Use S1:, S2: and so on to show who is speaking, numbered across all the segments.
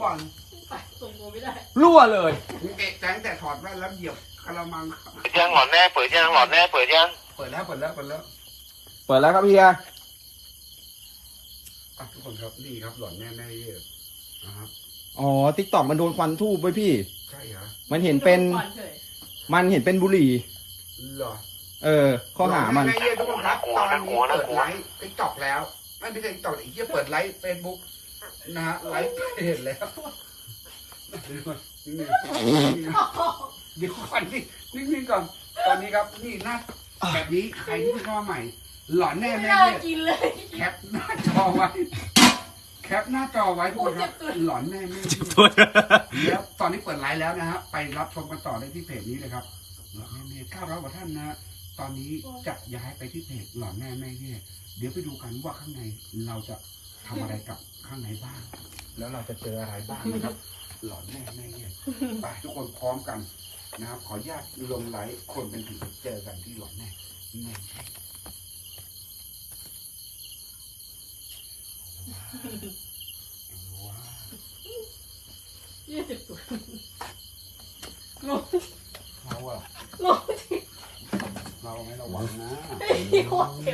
S1: บอล
S2: ไปส่งตัวไม่ได้
S3: รั่วเลย
S1: เอกแจ้งแต่ถอดแว่นแล้วเหยียบกระมัง
S4: ยังหลอดแน่เปิดยังหลอดแน่เปิดยัง
S1: เปิดแล้วเปิดแล้วเปิดแล้ว
S3: เปิดแล้วครับเฮีย
S1: ทุกคนครับนี่ครับหลอนแน่แน่เยอะนะครับ
S3: อ๋อติ๊กต็อกมันโดนควันทูบไว้พี่
S1: ใช่เหรอ
S3: มันเห็นเป็น
S2: ก่อฉย
S3: มันเห็นเป็นบุหรี่
S1: เหรอ
S3: ข้อหามัน
S1: แน่เยอะทุกคนครับตอนนี้เปิดไลฟ์ติ๊กต็อกแล้วไม่ใช่ติ๊กต็อกอีกที่เปิดไลฟ์เฟซบุ๊กนะฮะไลฟ์เพจแล้วเดี๋ยวก่อนนี่นิ่งๆก่อนตอนนี้ครับนี่หน้าแบบนี้ใครที่เพิ่งเข้ามาใหม่ หลอนแน่
S2: ไม่
S1: แน่
S2: น่า
S1: เนี่ย
S2: กินเลย
S1: แคปหน้าจอไว้แคปหน้าจอไว้ทุกคนครับหลอนแน่แน่แล้วตอนนี้เปิดไลฟ์แล้วนะฮะไปรับชมกันต่อได้ที่เพจนี้เลยครับหลอนแน่แน่900 กว่าท่านนะ ตอนนี้จะย้ายไปที่เพจหลอนแน่แม่เย่เดี๋ยวไปดูกันว่าข้างในเราจะทำอะไรกับข้างในบ้าง แล้วเราจะเจออะไรบ้างนะครับ หลอนแน่แม่เย่ไปทุกคนพร้อมกันนะครับ ขออนุญาตลงไลฟ์คนเป็นผีเจอกันที่หลอนแน่แม่ว้าว
S2: 20 ตัวงง
S1: เราอะ
S2: งงจริง
S1: เราไม่ระวังนะ
S2: โคตรเจ็บ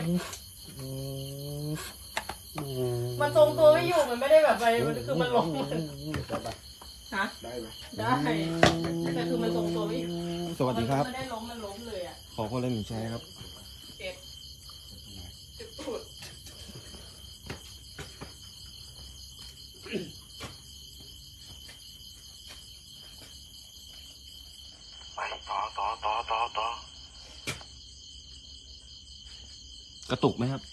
S2: มันทรงตัวไม่อยู่มันไม่ได้แบบไปมันคือมันล้ม
S1: ได้ปะ
S2: ฮะ
S1: ได้ไหม
S2: ได้แต่คือมันทรงตัวไม่อยู่
S3: สวัสดีครับ
S2: มันไม่ได้ล้มมันล้มเลยอ่ะ
S3: ขอคนละหนึ่งแชร์ครับ
S2: เจ็บเจ็บปวด
S4: ไปต่อก
S3: ระตุกไหมครับ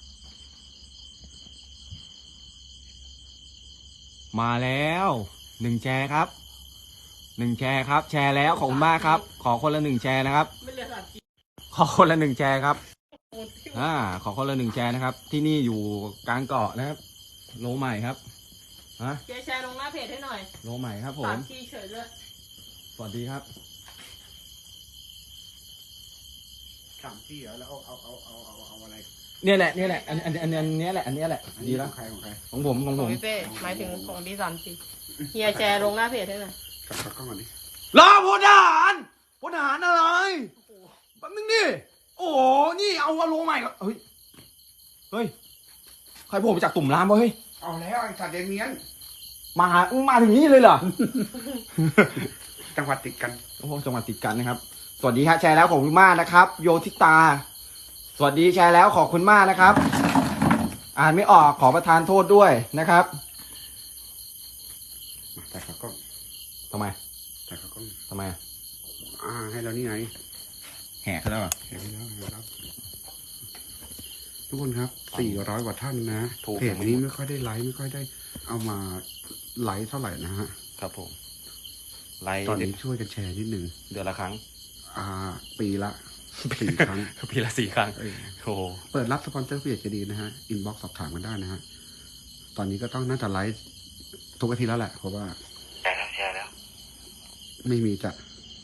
S3: มาแล้ว1 แชร์ครับ1 แชร์ครับ แชร์แล้วขอบคุณมากครับ ขอคนละ1 แชร์นะครับ
S2: ไม่เหลือ3 กิโล
S3: ขอคนละ1 แชร์ครับขอคนละ1 แชร์นะครับ ที่นี่อยู่กลางเกาะนะครับ โลใหม่ครับฮะ
S2: แชร์ลงหน้าเพจให้หน่อย
S3: โลใหม่ครับผม
S2: 3 ทีเฉยเลย
S3: สวัสดีครับ
S1: สามที่เหรอแล้วเอาอะไร
S3: เนี่ยแหละอันนี้แหละดีแล้ว
S1: ของใครของใคร
S3: ของผม
S2: ของพี่เป้หมายถึงของดี3 ทีเฮียแชร์ลงหน้าเพจให้หน่อย
S1: กลับกล้องก่อนดิ
S3: รอพลทหารพลทหารอะไรแป๊บนึงดิโอ้โหนี่เอาโลใหม่ก่อนเฮ้ยใครโผล่มาจากตุ่มน้ำวะเฮ้ย
S1: เอาแล้วไอ้สัตว์เดนเมียน
S3: มาถึงนี่เลยเหรอ
S1: จังหวัดติดกัน
S3: โอ้โหจังหวัดติดกันนะครับ สวัสดีครับแชร์แล้วขอบคุณมากนะครับ โยทิตา สวัสดีแชร์แล้วขอบคุณมากนะครับ อ่านไม่ออกขอประทานโทษด้วยนะครับ
S1: มาแต่ขากล้อง
S3: ทำไม
S1: แต่ขากล้อง
S3: ทำไม
S1: ให้เรานี่ไง
S3: แหกแล้วเหรอ
S1: เห็นแล้วครับทุกคนครับ400 กว่าท่านนะ
S3: ถูก
S1: เพจนี้ไม่ค่อยได้ไลฟ์ไม่ค่อยได้เอามาไลฟ์เท่าไหร่นะฮะ
S3: ครับผมไลฟ์
S1: ตอนนี้ช่วยกันแชร์นิดนึง
S3: เดือนละครั้ง
S1: ปีละ4 ครั้ง
S3: ปีละ4 ครั้งโอ้โห
S1: เปิดรับสปอนเซอร์เพจจะดีนะฮะอินบ็อกซ์สอบถามกันได้นะฮะตอนนี้ก็ต้องน่าจะไลฟ์ทุกอาทิตย์แล้วแหละเพราะว่า
S4: แชร์แล้ว
S1: ไม่มีจะ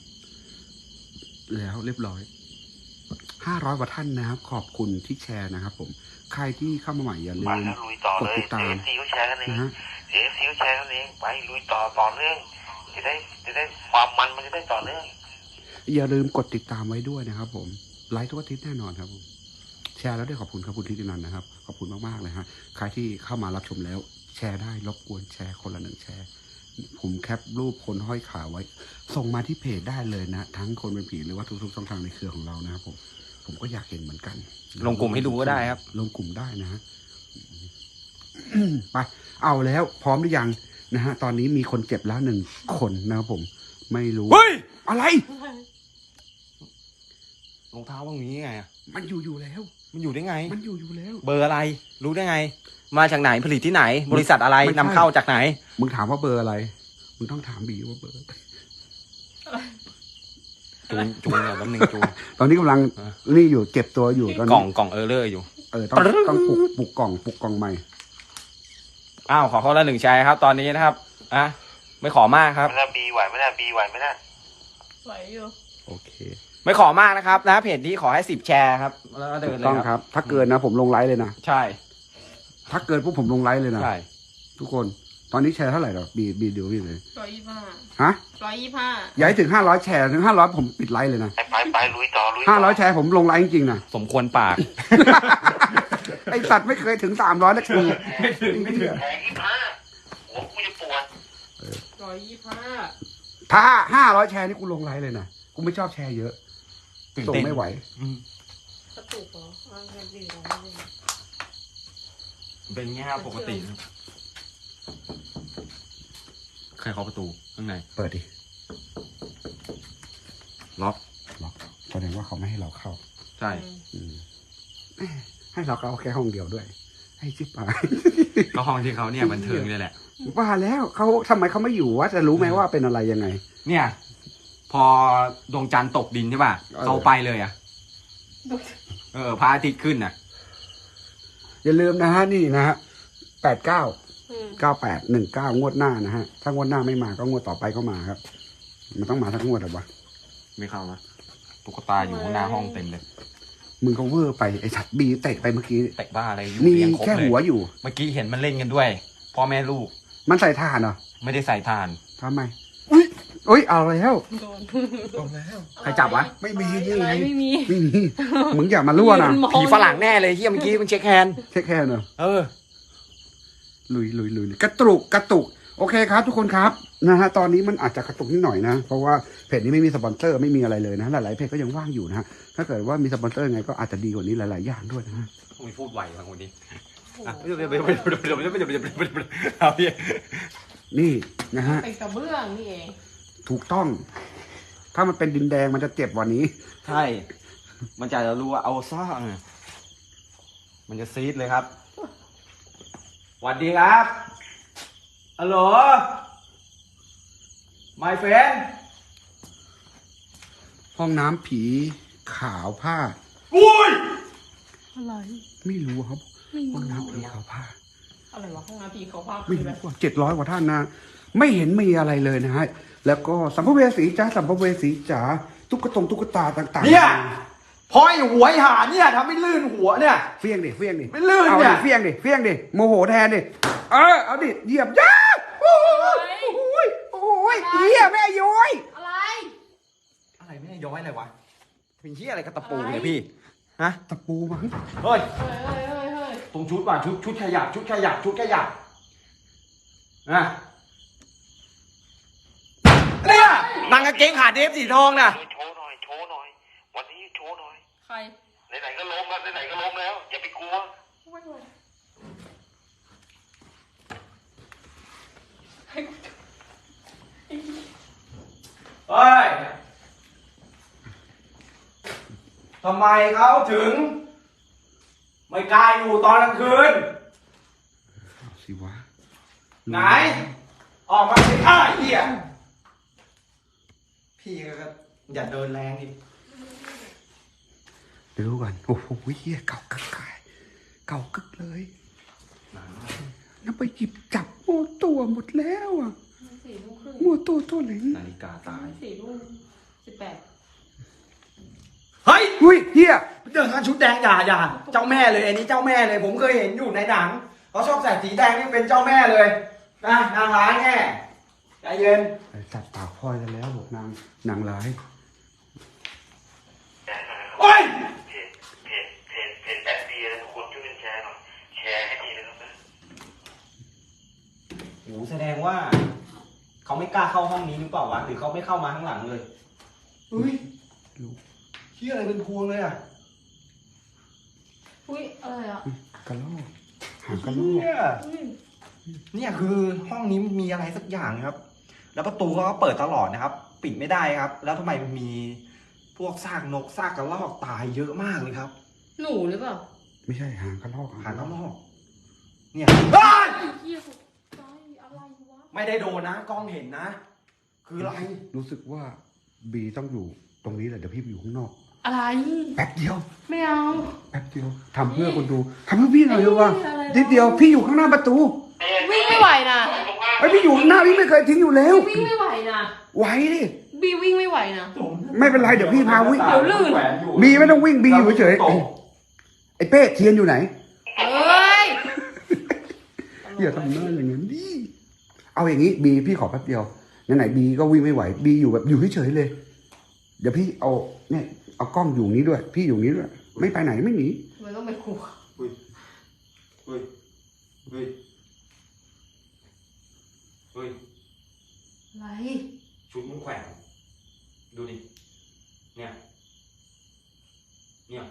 S1: แล้วเรียบร้อย500 กว่าท่านนะครับ ขอบคุณที่แชร์นะครับผมใครที่เข้ามาใหม่อย่าลื
S4: มาม แล้วลุยต่อก
S1: ด
S4: เลย
S1: ติดตาม
S4: CFC ก็แชร์กันเอง
S1: นะฮะ
S4: CFC ก็แชร์กันเองไปลุยต่อเนื่องจะได้ความมันจะได้ต่อเนื่อง
S1: อย่าลืมกดติดตามไว้ด้วยนะครับผมไลฟ์ทุกอาทิตย์แน่นอนครับผมแชร์แล้วได้ขอบคุณครับคุณทิตินันท์นะครับขอบคุณมากๆเลยฮะใครที่เข้ามารับชมแล้วแชร์ได้รบกวนแชร์คนละ1 แชร์ผมแคปรูปคนห้อยขาไว้ ส่งมาที่เพจได้เลยนะ ทั้งคนเป็นผีหรือว่าทุกๆช่องทางในเครือของเรานะครับผมก็อยากเห็นเหมือนกัน
S3: ลงกลุ่มให้ดูก็ได้ครับ
S1: ลงกลุ่มได้นะฮะ ไปเอาแล้วพร้อมหรือยังนะฮะตอนนี้มีคนเจ็บแล้ว1 คนนะครับผมไม่รู้
S3: เฮ้ย
S1: อะไร
S3: รองเท้าว่างนี้ไงอะ
S1: มันอยู่แล้ว
S3: มันอยู่ได้ไง
S1: มันอยู่แล้ว
S3: เบอร์อะไร รู้ได้ไง มาจากไหนผลิตที่ไหน บริษัทอะไร
S1: ไม่ใช่
S3: นำเข้าจากไหน
S1: มึงถามว่าเบอร์อะไร มึงต้องถามบีว่าเบอร์
S3: จูนเนี่ยแป๊บนึงจูน
S1: ตอนนี้กำลัง
S3: อ่ะ
S1: นี่อยู่เก็บตัวอยู่ตอน
S3: กล่
S1: นี้
S3: องเออร์เลอร์อยู่
S1: ต้องปลุกกล่องใหม่
S3: อ้าวขอคนละ1 แชร์ครับ ตอนนี้นะครับอ่ะไม่ขอมากครับ
S4: ไม่ได้บีไหวไม่ได้บีไหวไม่ได้
S2: ไหวอยู่
S1: โอเค
S3: ไม่ขอมากนะครับนะเพจนี้ขอให้10 แชร์ครับแล้วก็เดิ
S1: ถู
S3: น
S1: ก
S3: เล
S1: ต้อง
S3: ย
S1: ค
S3: ค
S1: รั
S3: รับ
S1: บ ถ้าเกินนะผมลงไลฟ์เลยนะ
S3: ใช่
S1: ถ้าเกินพวกผมลงไลฟ์เลยนะ
S3: ใช่
S1: ทุกคนตอนนี้แชร์เท่าไหร่หรอบีดูพี่เลย
S2: 125
S1: ฮะ
S2: 125
S1: อย่าให้ถึง500แชร์ถึง500ผมปิดไลฟ์เลยนะ
S4: ไปลุยต่อลุยต่อ
S1: 500แชร์ผมลงไลฟ์จริงๆนะ
S3: สมควรปาก
S1: ไอสัตว์ไม่เคยถึง300นะคือ
S3: ไม่ถึง
S4: แผง25หัวกูจะปวด
S2: 125
S1: ถ้า500แชร์นี่กูลงไลฟ์เลยนะกูไม่ชอบแชร์เยอะส่งไม่ไหว
S2: กระตุกเหรอเอาดีๆลองดู
S3: เป็นแง่ปกตินะใครเคาะประตูข้างใน
S1: เปิดดิ
S3: ล็อก
S1: แสดงว่าเขาไม่ให้เราเข้า
S3: ใช่
S1: ให้เราเข้าแค่ห้องเดียวด้วย ให้ชิบหาย
S3: ก็ห้องที่เขาเนี่ยบันเทิงเลยแหละ
S1: ว่าแล้วเขาทำไมเขาไม่อยู่วะจะรู้ไหมว่าเป็นอะไรยังไง
S3: เนี่ย พอดวงจันทร์ตกดินใช่ป่ะ เขาไปเลยอ่ะ พระอาทิตย์ขึ้นอ่ะ
S1: อย่าลืมนะฮะนี่นะฮะ89
S2: อืม
S1: 9819งวดหน้านะฮะถ้างวดหน้าไม่มาก็งวดต่อไปก็มาครับ มันต้องมาทั้งงวดหรอวะ
S3: ไม่เข้านะตุ๊กตาอยู่หน้าห้องเต็มเลย
S1: มึงก็เวอร์ไปไอ้สัตว์บีเตะไปเมื่อกี้
S3: เตะบ้าอะไรอยู่
S1: มี
S3: เรียงครบ
S1: แค่
S3: เลย
S1: หัวอยู่
S3: เมื่อกี้เห็นมันเล่นกันด้วย พ่อแม่ลูก
S1: มันใส่ถ่านเหรอ
S3: ไม่ได้ใส่ทาน
S1: ทำไมอุ้ยเอาแล้ว
S2: โดน
S3: ใครจับวะ
S1: ไม่มีนี่
S2: อะไร
S1: ไง
S2: ไม่มี
S1: ไม่มีมึงอย่ามารั่วนะ
S2: ยืมอง
S3: ผีฝรั่งแน่เลยที่เมื่อกี้มันเช็คแฮนด์
S1: เช็คแค่เนอะ ลุยกระตุกโอเคครับ ทุกคนครับนะฮะตอนนี้มันอาจจะกระตุกนิดหน่อยนะเพราะว่าเพจนี้ไม่มีสปอนเซอร์ไม่มีอะไรเลยนะหลายๆเพจก็ยังว่างอยู่นะฮะถ้าเกิดว่ามีสปอนเซอร์ไงก็อาจจะดีกว่านี้หลายๆอย่างด้วยนะฮะ
S3: ไม่พูดไวบางคนนี้เอาพี่
S1: นี่นะฮะ
S2: เป็นกระเบื้องนี่เอง
S1: ถูกต้อง ถ้ามันเป็นดินแดงมันจะเจ็บกว่านี้
S3: ใช่ มันจะรู้ว่าเอาซ่าเนี่ยมันจะซีดเลยครับสวัสดีครับฮัลโหล my friend
S1: ห้องน้ำผีขาวผ้า
S3: อุ้ย
S2: อะไร
S1: ไม่รู้ครับ
S2: ไม่
S1: ห้อง
S2: รู้
S1: น้ำผีขาวผ้า
S2: อะไรวะห้องน้ำผีเขาภาพ
S1: ไม่
S2: คือแบ
S1: รู้
S2: บ
S1: ว่า700 กว่าท่านนะ ไม่เห็นมีอะไรเลยนะฮะ แล้วก็สัมภเวสีจ้าสัมภเวสีจ๋าตุ๊กตาต่างๆ
S3: เนี่ยพอไอ้หัวไอ้หาเนี่ยทำให้ลื่นหัวเนี่ย
S1: เฟี้ยงดิ
S3: ไม่ลื่น
S1: เอา
S3: เนี่
S1: ดิ
S3: ย
S1: เฟี้ยงดิโมโหแทนดิเอาดิเหยียบย่าโอ้ยเฮียแม่ย้อย
S2: อะไร
S3: อะไรไม่ได้ย้อยอะไรวะเป็นที่อะไรกับตะปูเนี่ยพี่ฮะ
S1: ตะปูมั้ง
S3: เฮ้ย
S2: เฮ้ย
S3: ตรงชุดว่ะชุดขยับนะเนี่ยนางกางเกงขาเดฟสีทองน่ะ
S4: โชว์หน่อย วันนี้โชว์หน่อย
S2: ใคร
S4: ไหนๆก็ล้มแล้วอย่าไปกลัว
S3: เฮ้ย ทำไมเขาถึง ไม่กล้าอยู่ตอนกลางคืน
S1: เอาสิวะ
S3: ไหน ออกมาสิเหี้ยพี่ก็อย่าเดินแรงดิ
S1: เดี๋ยวดูก่อนโอ้โหเฮียเก่ากึกเลยแล้วไปหยิบจับโมตัวหมดแล้วอ่ะ
S2: 4 ทุ่มครึ่ง
S1: โมตัวเหลง
S3: นาฬิกาตาย
S2: 4 ทุ่ม 18
S3: เฮ้ย
S1: อุ้ยเฮีย
S3: เดินกันชุดแดงอย่าเจ้าแม่เลยอันนี้เจ้าแม่เลย ผมเคยเห็นอยู่ในหนังเขาชอบใส่สีแดงนี่เป็นเจ้าแม่เลยนะนางร้ายแน่ใจเย็น
S1: จัดปากพลอยกันแล้วบอกนางร้าย
S3: โอ้ย
S4: เพจแอดดีนะทุกคนช่วยกันแชร์หน่อย แชร์ให้ดีนะครับนะ
S3: โหแสดงว่า เขาไม่กล้าเข้าห้องนี้หรือเปล่าวะหรือเขาไม่เข้ามาข้างหลังเลยเฮ้ยเชี่ยอะไรเป็นพวงเลยอ่ะ
S2: อุ้ยอะไรอ่ะ
S1: กระโลกหางกระโลก
S3: เนี่ยคือห้องนี้มีอะไรสักอย่างครับ แล้วประตูก็เปิดตลอดนะครับ ปิดไม่ได้ครับ แล้วทำไมมันมีพวกซากนกซากกระรอกตายเยอะมากเลยครับ
S2: หนูหรือเปล่า
S1: ไม่ใช่หางกระโลก
S3: หางกระรอกเนี่ย
S2: ไอ้เหี้ยตายอะไรวะ
S3: ไม่ได้โดนนะกล้องเห็นนะ คืออะไร
S1: รู้สึกว่าบีต้องอยู่ตรงนี้แหละเดี๋ยวพี่ไปอยู่ข้างนอก
S2: อะไร
S1: แป๊บเดียว
S2: ไม่เอา
S1: แป๊บเดียวทำเพื่อคนดูทำเพื่อพี่หน่อยเถอะว่า
S2: อะไรวะ
S1: นิดเดียวพี่อยู่ข้างหน้าประตู
S2: วิ่งไม่ไหวนะ
S1: ไอ้พี่อยู่ข้างหน้าพี่ไม่เคยทิ้งอยู่แล้ว
S2: วิ่งไม่ไหวนะ
S1: ไหวดิ
S2: บีวิ่งไม่ไหวนะ
S1: ไม่เป็นไรเดี๋ยวพี่พาวิ่ง
S2: เดี๋ยวลื่น
S1: บีไม่ต้องวิ่งบีอยู่เฉยๆไอ้เป้เทียนอยู่ไหน
S2: เฮ้ย
S1: อย่าทำหน้าอย่างนั้นดิเอาอย่างนี้บีพี่ขอแป๊บเดียวไหนๆบีก็วิ่งไม่ไหวบีอยู่แบบอยู่เฉยๆเลย เดี๋ยวพี่เอาเนี่ยเอากล้องอยู่นี้ด้วย พี่อยู่นี้ด้วยไม่ไปไหนไม่หนี
S2: ทำไมต้องไปขู่
S3: เฮ้ยเฮ้ยเฮ้ยเฮ้ย
S2: อะไร
S3: ชุดมึงแขวนดูดิเนี่ยเนี่ย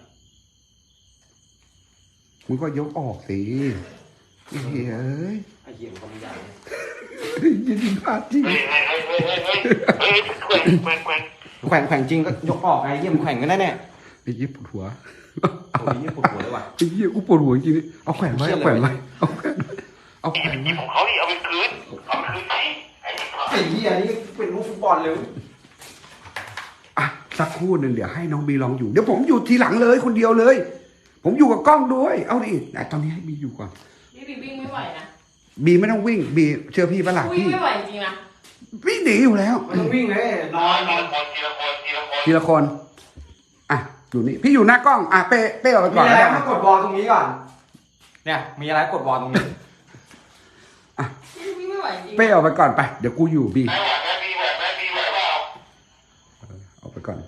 S1: มึงก็ยกออกสิเฮ้ยเอ้ย
S3: ไอ้เหี้ยมันก็ไม่ได้เนี่ย
S1: ยินดีพลาดจริง
S4: เฮ้ยแขวน
S3: แขวนจริงก็ยกออกไงเหี้ยมันแขวนกันแน่แน่
S1: ไอ้ยี่ปวดหัว
S3: โอ้ยเหี้ยปวดหัวเลยว่ะ
S1: ไอ้ยี่กูปวดหัวจริงๆเอาแขวนไว้เอาแขวนไว้เอาแขวนเอาแขวนไว้
S4: ของเขาดิเอาไปคืนไปไอ้
S3: ไอ้เหี้ยนี่เป็นลูกฟุตบอลเลย
S1: อ่ะสักครู่หนึ่งเดี๋ยวให้น้องบีลองอยู่เดี๋ยวผมอยู่ทีหลังเลยคนเดียวเลย ผมอยู่กับกล้องด้วยเอาดิแต่ตอนนี้ให้บีอยู่ก่อน
S2: พี่บีวิ่งไม่ไหวนะ
S1: บีไม่ต้องวิ่งบีเชื่อพี่ปะล่ะ
S2: วิ่ง
S1: พี่
S2: ไม่ไหวจริงนะ
S1: พี่หนีอยู่แล้ว
S3: มันต้องวิ่งเลยนอน
S1: ทีละคนอ่ะอยู่นี่พี่อยู่หน้ากล้องอ่ะเป้ออกไป
S3: มี
S1: ก่อน
S3: อะไร
S1: ได้
S3: ก็กดบอลตรงนี้ก่อน เนี่ยมีอะไรกดบอลตรงนี้
S2: พี่วิ่งไม่ไหวจริง
S1: เป้ออกไปก่อนไปเดี๋ยวกูอยู่บี
S4: แม่เปล่า
S1: ออกไปก่อน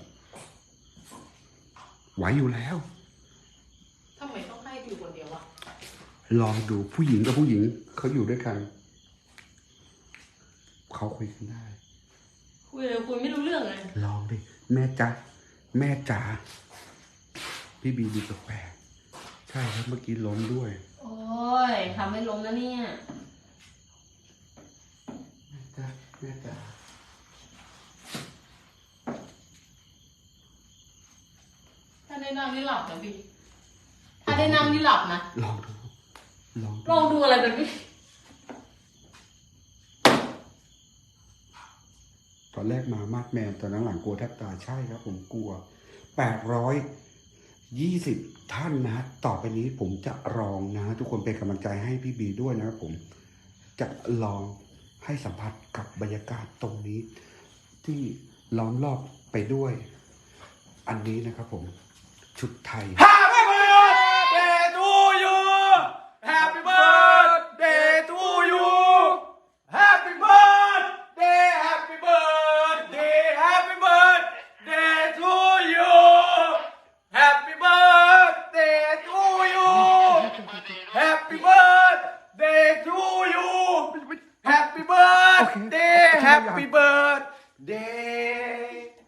S1: ไหวอยู่แล้ว
S2: ทำไมต้องให้อยู่คนเดียววะ
S1: ลองดูผู้หญิงกับผู้หญิงเขาอยู่ด้วยกันเขาคุยกันได้
S2: คุยเลยคุยไม่รู้เรื่องเลย
S1: ลองดิแม่จ๋าแม่จ๋าพี่บีดูแปลกๆใช่ครับเมื่อกี้ล้มด้วย
S2: โอ้ยทำให้ล้มแล้วเนี่ย
S1: แม่จ๋าแม่จ๋า
S2: ถ้าได้นั่งนี่หลับนะพี่ถ้าได้นั่งนี่หลับนะ
S1: ลองดูลอง
S2: ลองดูอะไรแบบนี้
S1: ตอนแรกมามาดแมนตอนหลังกลัวแทบตายใช่ครับผมกลัว820ท่านนะฮะต่อไปนี้ผมจะลองนะทุกคนเป็นกำลังใจให้พี่บีด้วยนะครับผมจะลองให้สัมผัสกับบรรยากาศตรงนี้ ที่ล้อมรอบไปด้วย อันนี้นะครับผมชุดไทย
S3: Happy birthday to you Happy birthday to you Happy birthday Happy birthday Happy birthday to you Happy birthday to you Happy birthday to you Happy birthday Happy birthday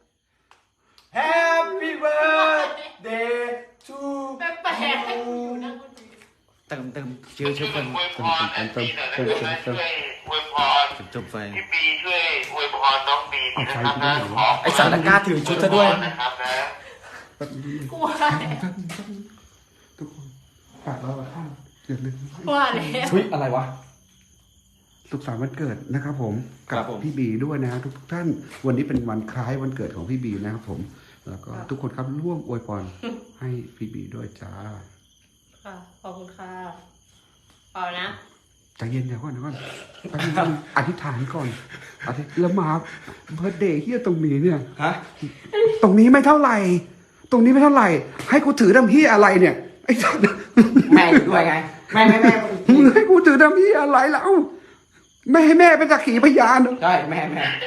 S3: Happy birthday to
S2: แปลกๆอยู่นั่งคนเดียว
S3: เติมชื่อเติม
S4: อวยพรอันนี้หน่อยนะช่วยอวยพร
S3: จบไฟ
S4: พี่บีช่วยอวยพรน้องบีนะครับนะขอ
S3: ไอสารกล้าถือชุดซะด้วย
S4: นะครับนะ
S2: กลัวอะไร
S1: ทุกคนฝากเราท่านอย่าลืม
S2: กลัวแล้ว
S3: ชุดอะไรวะ
S1: สุขสันต์วันเกิดนะครับผม
S3: ครั
S1: กับบ
S3: ผม
S1: พี่บีด้วยนะทุกท่านวันนี้เป็นวันคล้ายวันเกิดของพี่บีนะครับผม แล้วก็ทุกคนครับร่วมอวยพรให้พี่บีด้วยจ้า
S2: ค่ะขอบคุณค่ะเอานะ
S1: ใจเย็นเดี๋ยวก่อนแป๊บนึงอธิษฐานก่อนแล้วมาเบิร์ดเดย์เฮียตรงนี้เนี่ย
S3: ฮะ
S1: ตรงนี้ไม่เท่าไหร่ ตรงนี้ไม่เท่าไหร่ ให้กูถือดำพี่อะไรเนี่ยไอ้สัตว์
S3: แม่อยู่ด้วยไง แม่
S1: มึงให้กูถือดำพี่อะไรแล้วไม่ให้แม่เป็นสักขีพยาน
S3: ใช่แม่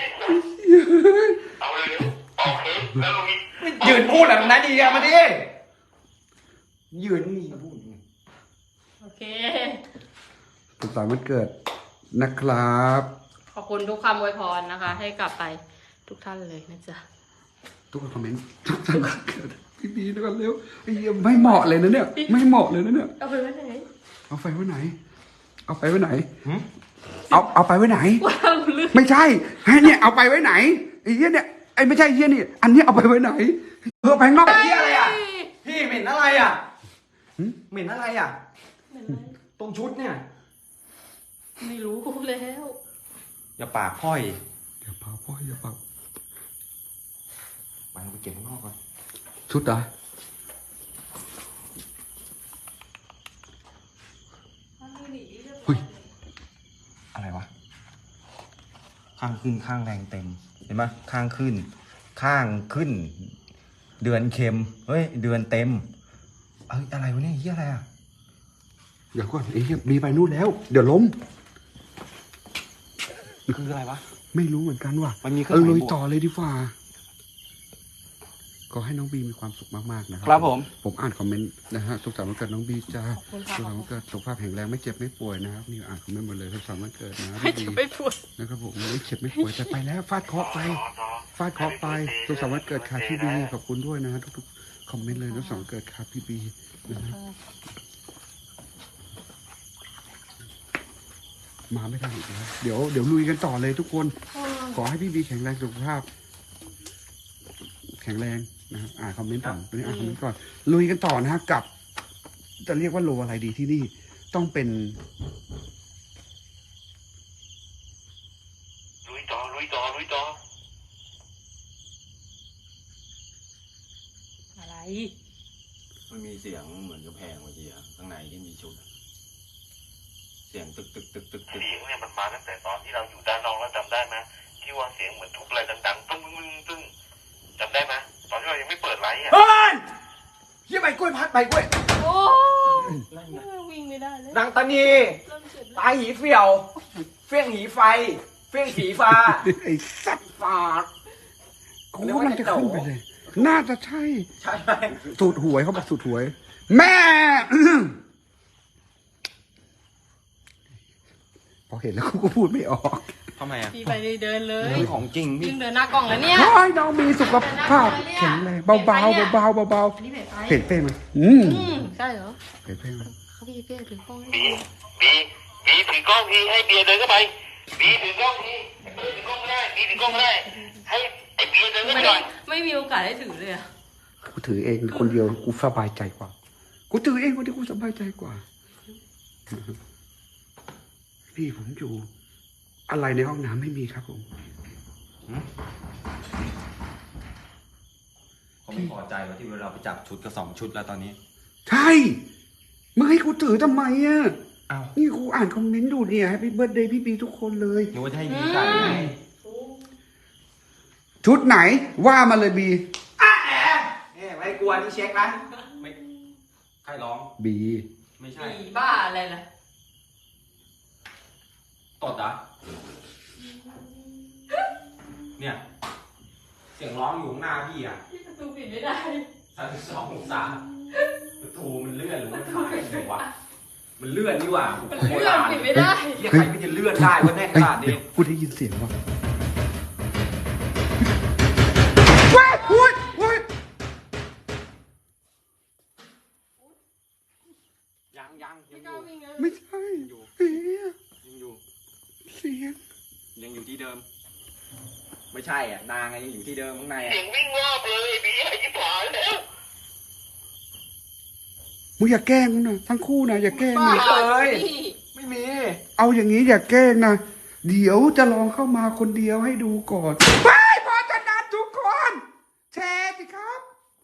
S4: เอาเลยโอเคแล้วลุง
S3: ยืนพูดอะไรตรงนั้นดีอะมาดิยืนนี่พูด
S2: โอเค
S1: สุขสันต์วันเกิดนะครับ
S2: ขอบคุณทุกคำอวยพรนะคะ ให้กลับไปทุกท่านเลยนะจ๊ะ
S1: ทุกคนคอมเมนต์สุขสันต์วันเกิดพี่บีนะครับเร็วไอ้เหี้ยไม่เหมาะเลยนะเนี่ยไม่เหมาะเลยนะเนี่ย
S2: เอาไปไว้ไหน
S1: เอาไปไว้ไหน เอาไปไว้ไหนเอาไปไว้ไหน
S2: ว่าเราลืม
S1: ไม่ใช่ให้เนี่ยเอาไปไว้ไหนไอ้เหี้ยเนี่ยไอ้ไม่ใช่เหี้ยนี่อันนี้เอาไปไว้ไหนไปข้างนอก
S3: เฮียอะไรอ่ะ พี่เหม็นอะไรอ่ะเหม็นอะไรอ่ะ ตรงชุดเนี่ย
S2: ไม่รู้แล้ว
S3: อย่าปากพ่อย
S1: อย่าเป่าพ่ออย่าเป่า
S3: ไปเก็บข้างนอกก่อน
S1: ชุดเหรอ เฮ้ย
S3: อะไรวะ ข้างขึ้นข้างแรงเต็ม เห็นไหมข้างขึ้น ข้างขึ้น เดือนเค็ม เฮ้ย เดือนเต็ม เอ้ยอะไรวะเนี่ยเฮียอะไรอ่ะ
S1: เดี๋ยวก่อนไอ้เหี้ยบีไปนู่นแล้ว เดี๋ยวล้ม
S3: คืออะไรวะ
S1: ไม่รู้เหมือนกันว่ะ
S3: มันมีเครื่องหมาย
S1: ลุย
S3: บวก
S1: ต่อเลยดีกว่าก็ให้น้องบีมีความสุขมากๆนะครั
S3: ครับผม
S1: ผมอ่านคอมเมนต์นะฮะสุขสันต์วันเกิดน้องบีจ้า
S2: ขอบคุณ
S1: สุ
S2: ค่ะ
S1: ขสันต์วันเกิดสุขภาพแข็งแรงไม่เจ็บไม่ป่วยนะครับนี่อ่านคอมเมนต์หมดเลยสุขสันต์วันเกิดนะ
S2: ไม่
S1: น้อง
S2: จะ
S1: บี
S2: ไม่พูด
S1: นะครับผมไม่เจ็บไม่ป่วยแต่ไปแล้วฟาดเคราะห์ไปฟาดเคราะห์ไปสุขสันต์วันเกิดค่ะพี่บีขอบคุณด้วยนะฮะทุกๆคอมเมนต์เลยนะสุขสันต์วันเกิดค่ะพี่บีนะฮะมาไม่ทันอีกแล้วเดี๋ยวลุยกันต่อเลยทุกคน ขอให้พี่บีแข็งแรงสุขภาพ แข็งแรงนะครับอ่านคอมเมนต์ก่อนตอนนี้อ่านคอมเมนต์ก่อนลุยกันต่อนะฮะกับ จะเรียกว่าโลอะไรดีที่นี่ ต้องเป็น
S4: ลุยต่อลุยต่อลุยต่อ
S2: อะไร
S3: มันมีเสียงเหมือนกระแพงเมื่อกี้อะข้างในที่มีชุดอะเสียงตึกตึกตึกตึกตึก
S4: เสียงเนี่ยมันมาตั้งแต่ตอนที่เราอยู่ด้านนอกแล้วจำได้ไหมที่ว่าเสียงเหมือนทุบอะไรดังๆตึ้งตึ้งตึ้งจำได้ไหมตอนที่เรายังไม่เปิดไลฟ์อ่ะ
S3: เฮ้ยเฮียใบกล้วยพัดใบกล้วย
S2: โอ้
S3: นั่นไง
S2: วิ่งไม่ได้เลย
S3: นางตานี
S2: เริ่มเจ็บแล้ว
S3: ตายหีเสี่ยว เฟี้ยงหีไฟ เฟี้ยงสีฟ้า
S1: ไอ้สัตว์
S3: ฟาด
S1: กูว่ามันจะขึ้นไปเลย น่าจะใช่
S3: ใช่ไหม
S1: สูตรหวยเขาบอกสูตรหวย แม่ พอเห็นแล้วกูก็พูดไม่ออก
S3: ทำไมอ่ะ
S2: พี่ไปเดินเลย
S3: นี่ของจริงพี่
S2: ยิ่งเดินหน้ากล้องแล้วเนี่ย
S1: ขอให้น้องมีสุขภาพแข็งแรงเบาๆเบาๆเบา
S2: อันนี้เผ็ดไป
S1: ๆเผ็ดเป้ไหม
S2: ใช่เหรอ
S1: เผ็ดเป้ไหม
S2: เขาพี่เป้ถือกล้องให้
S4: บีบีถือกล้องทีให้เบียร์เดินเข้าไปบีถือกล้องทีไอ้เบิร์ดถือกล้องไม่ได้บีถือกล้องไม่ได้ให้ไอ้เบียร์เดินเข้าไปหน่อย
S2: ไม่มีโอกาสได้ถือเลยอะ
S1: กูถือเองคนเดียวกูสบายใจกว่า กูถือเองคนเดียวกูสบายใจกว่า พี่ผมอยู่ อะไรในห้องน้ำไม่มีครับผม
S3: เขาไม่พอใจว่าที่เราไปจับชุดกับ2 ชุดแล้วตอนนี้
S1: ใช่มึงให้กูถือทำไมอ่ะ
S3: อ้าว
S1: นี่กูอ่านคอมเมนต์ดูเนี่ยให้เบิร์ดเดย์พี่บีทุกคนเลย
S3: นึกว่าจะให้บีใส่ไง
S1: ชุดไหนว่ามาเลยบี
S3: เนี่ยไม่กลัวนี่เช็คนะไม่ใครร้อง
S1: บี
S3: ไม่ใช่
S2: ผีบ้าอะไรล่ะ
S3: ตดเหรอเนี่ย เสียงร้องอยู่ข้างหน้าพี่อ่ะ
S2: พี่ประตูปิดไม่ได้
S3: 32 องศาประตูมันเลื่อนหรือมันขายเลยวะมันเลื่อนนี่หว่า
S2: มันเลื่อนปิดไม่ได้
S3: เฮียใครมันจะเลื่อนได้วะแน่ข
S1: เฮ้ย
S3: นาดนี้
S1: เดี๋ยวกูได้ยินเสียงว่ะว้ายอุ้ยอุ้ย
S3: ยังอยู่
S1: ไม่ใช่เฮ้ย
S3: ยังอยู่
S1: เสียง
S3: ยังอยู่ที่เดิม ไม่ใช่อ่ะนางยังอยู่ที่เดิมข้างใน
S4: เสี
S3: อ่ะ
S4: ยงวิ่งรอบเลยบีไอ้ที่ผายแล้ว
S1: มึงอย่าแกล้งกูนะทั้งคู่นะอย่าแกล้ง
S2: บ้า
S1: นะ
S2: พี่
S3: ไม่มี
S1: เอาอย่างนี้อย่าแกล้งนะเดี๋ยวจะลองเข้ามาคนเดียวให้ดูก่อนไปพอจะนัดทุกคนแชร์สิครับ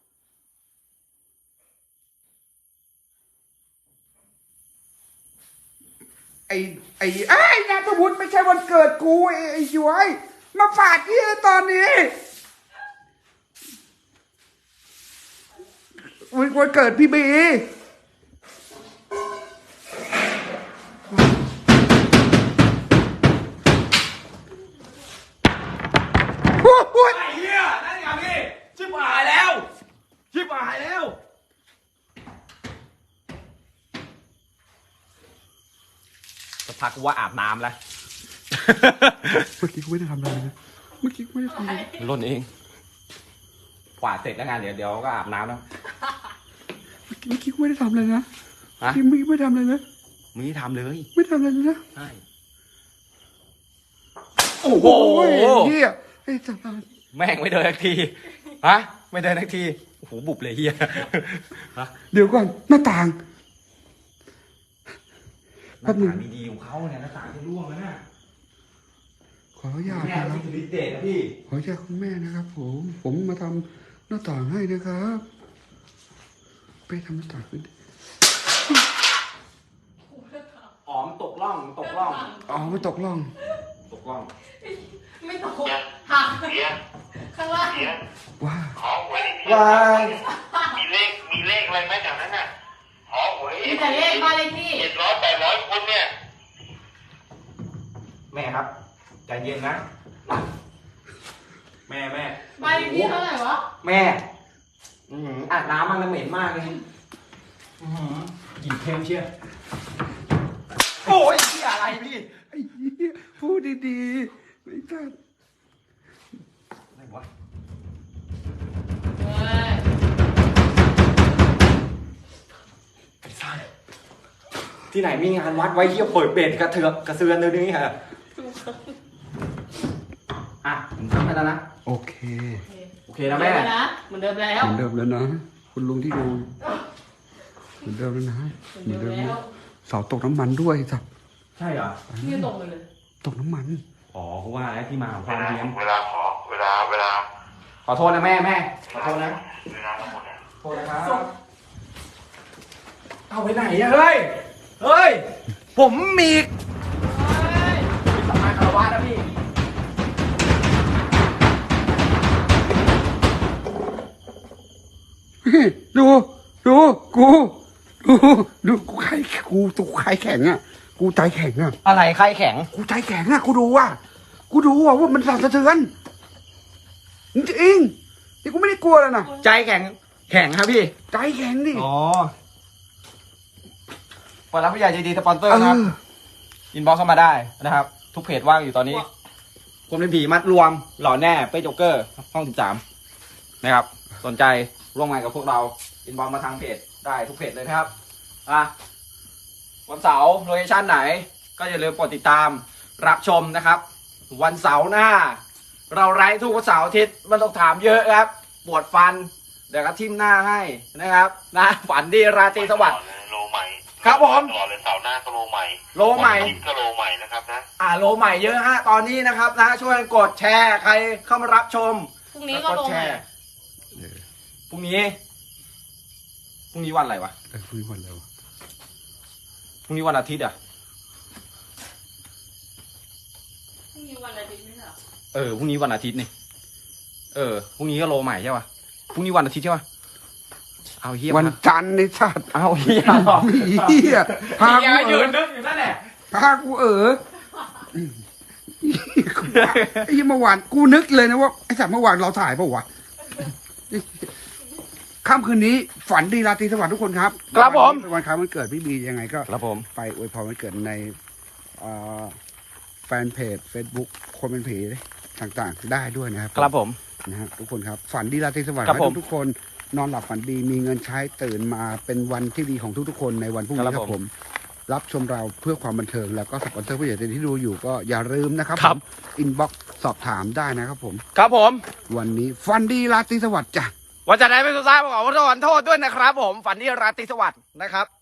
S1: ไอ้นายประวุฒิไม่ใช่วันเกิดกูไอ้ย้วยมาฝาดที่ตอนนี้วันเกิดพี่บีโอ้ย
S3: ไอ้เหี้ยนั่นไงพี่ชิบหายแล้วชิบหายแล้วสักพักกูว่าอาบน้ำแล้ว
S1: เมื่อกี้กูไม่ได้ทำอะไรนะเมื่อกี้กูไม่ได้ทำอะไร
S3: ล่นเองกวาดเสร็จแล้วงานเดี๋ยวก็อาบน้ำแล้ว
S1: เมื่อกี้กูไม่ได้ทำอะไรนะ
S3: ฮะ
S1: เมื่อกี้ไม่ได้ทำอะไรนะ
S3: มึงนี่ทำเลย
S1: ไม่ทำอะไรเลยนะ
S3: ใช่โอ้โห
S1: เฮียไอ้จัน
S3: แม่งไม่เดินทักทีฮะไม่เดินทักทีโอ้โหบุบเลยเฮียฮะ
S1: เดี๋ยวก่อนหน้าต่าง
S3: หน้าต่างดีๆของเขาเนี่ยหน้าต่างจะร่วงแล้วนะ
S1: ขออนุญาต
S3: แม่
S1: นะครับ
S3: ที่สุดฤทธิ์เดชนะพี่
S1: ขออนุญาตคุณแม่นะครับ ผมมาทำหน้าต่างให้นะครับไปทำหน้าต่างขึ้น
S3: อ๋อมตกล่องตกล่อง
S1: อ๋อไม่ตกล่อง
S3: ตกล่อง
S2: ไม่ตกหัก
S4: เบียร์
S2: ข้างล่าง
S4: เบียร์
S1: ว้า
S4: ขอหวยดิ
S1: วาย
S4: มีเลขอะไรไหมจากนั้นน่ะขอหวย
S2: มีแต่เลขบ้านเลขที่
S4: 700 800 คนเนี่ย
S3: แม่ครับใจเย็นนะ แม่
S2: ใบนี้เท่าไหร่วะ
S3: แม่อาบน้ำมันเหม็นมากเลยกลิ่นเค็มเชียวโอ้ยเหี้ยอะไรพี่
S1: ไอ้เหี้ยพูดดีๆไม่ใช่
S3: อะไรวะ
S2: เฮ้ย
S3: ไอ้สัสที่ไหนมีงานวัดไว้เที่ยวเปิดเบ็ดกระเสือนเลยนี่ฮะอ่ะผมทำให้แล้วนะ
S1: โอเค
S3: โอเคนะแม่
S2: เหมือนเดิมแล้ว
S1: เหมือนเดิมแล้วนะ คุณลุงที่ดูเหมือนเดิมแล้วนะ
S2: เหมือนเดิมแล้ว
S1: เสาตกน้ำมันด้วยสับ
S3: ใช่เหรอ
S2: นี่ตกไปเลย
S1: ตกน้ำมัน
S3: อ๋อเพราะว่าอะไรที่มาของความเฮี้ยน
S4: เวลาขอ
S3: ขอโทษนะแม่ขอโทษนะ
S4: เวลาทั้งหมดเนี่ย
S3: โทษนะครับเอาไปไหนอะเฮ้ย ผมมีสำนักคารวะนะพี่
S1: ดูกูใครตัวใครแข็งอ่ะ กูใจแข็งอ่ะ
S3: อะไรใครแข็ง
S1: กูใจแข็งอ่ะ กูดูว่ามันสั่นสะเทือนจริงๆนี่กูไม่ได้กลัวเลยนะ
S3: ใจแข็งครับพี่
S1: ใจแข็งดิ
S3: อ๋อเปิดรับผู้ใหญ่ใจดีสปอนเซอร์นะครับ อินบ็อกซ์เข้ามาได้นะครับ ทุกเพจว่างอยู่ตอนนี้คนเป็นผีมัดรวม หล่อแน่เป้โจ๊กเกอร์ ห้อง 13 นะครับ สนใจร่วมงานกับพวกเรา อินบ็อกซ์มาทางเพจได้ทุกเพจเลยนะครับวันเสาร์โลเคชั่นไหน ก็อย่าลืมกดติดตามรับชมนะครับ วันเสาร์หน้า เราไลฟ์ทุกวันเสาร์อาทิตย์มันต้องถามเยอะครับ ปวดฟัน เดี๋ยวก็ทิ่มหน้าให้นะครับนะฝันดีราตรีสวัสดิ์
S4: โลใหม่
S3: ครับผม
S4: ตลอดเลยเสาร์หน้าก็โลใหม่
S3: โลใหม่
S4: วันอาทิตย์ก็โลใหม่นะครับนะ
S3: โลใหม่เยอะฮะตอนนี้นะครับนะช่วยกดแชร์ใครเข้ามารับชม
S2: พรุ่งนี้ก็ลง
S3: แช
S2: ใหม่
S3: ร์พรุ่งนี้วันอะไรวะ
S1: คุยวันแล้ว
S3: พรุ่งนี้วันอาทิตย์อ่ะ
S2: พรุ่งนี้วันอาทิตย์ไม่ใช่เหรอ
S3: พรุ่งนี้วันอาทิตย์นี่พรุ่งนี้ก็โลใหม่ใช่ป่ะพรุ่งนี้วันอาทิตย์ใช่ป่ะเอาเฮีย
S1: วันจันทร์ในชาติ
S3: เอาเฮีย
S1: เฮียพา
S3: เฮีย
S1: กู
S3: ยื
S1: เอ๋
S3: นนึกอยู่นั่นแหละ
S1: พากูไอ้เมื่อวานกูนึกเลยนะว่าไอ้สัตว์เมื่อวานเราถ่ายเปล่าวะค่ำคืนนี้ฝันดีราตรีสวัสดิ์ทุกคนครับ
S3: ครับผม
S1: เป็นวันคล้ายวันเกิดพี่บียังไงก็
S3: ครับผม
S1: ไปอวยพรวันเกิดในแฟนเพจ Facebook คนเป็นผีต่างๆ ได้ด้วยนะครับ
S3: ครับผม
S1: นะฮะทุกคนครับฝันดีราตรีสวัสดิ์
S3: ครับ
S1: ให้
S3: ผม
S1: ทุกๆคนนอนหลับฝันดีมีเงินใช้ตื่นมาเป็นวันที่ดีของทุกๆคนในวันพรุ่งนี้
S3: ครับ
S1: ครับผม รับชมเราเพื่อความบันเทิงแล้วก็สปอนเซอร์ผู้ใหญ่ใจดีที่ดูอยู่ก็อย่าลืมนะครับ
S3: ครับ
S1: อินบ็อกสอบถามได้นะครับผม
S3: ครับผม
S1: วันนี้ฝันดีราตรีสวัสดิ์จ้ะ
S3: วันจันทร์ไหนเป็นสุดท้ายผมขอโทษด้วยนะครับผมฝันดีราตรีสวัสดิ์นะครับ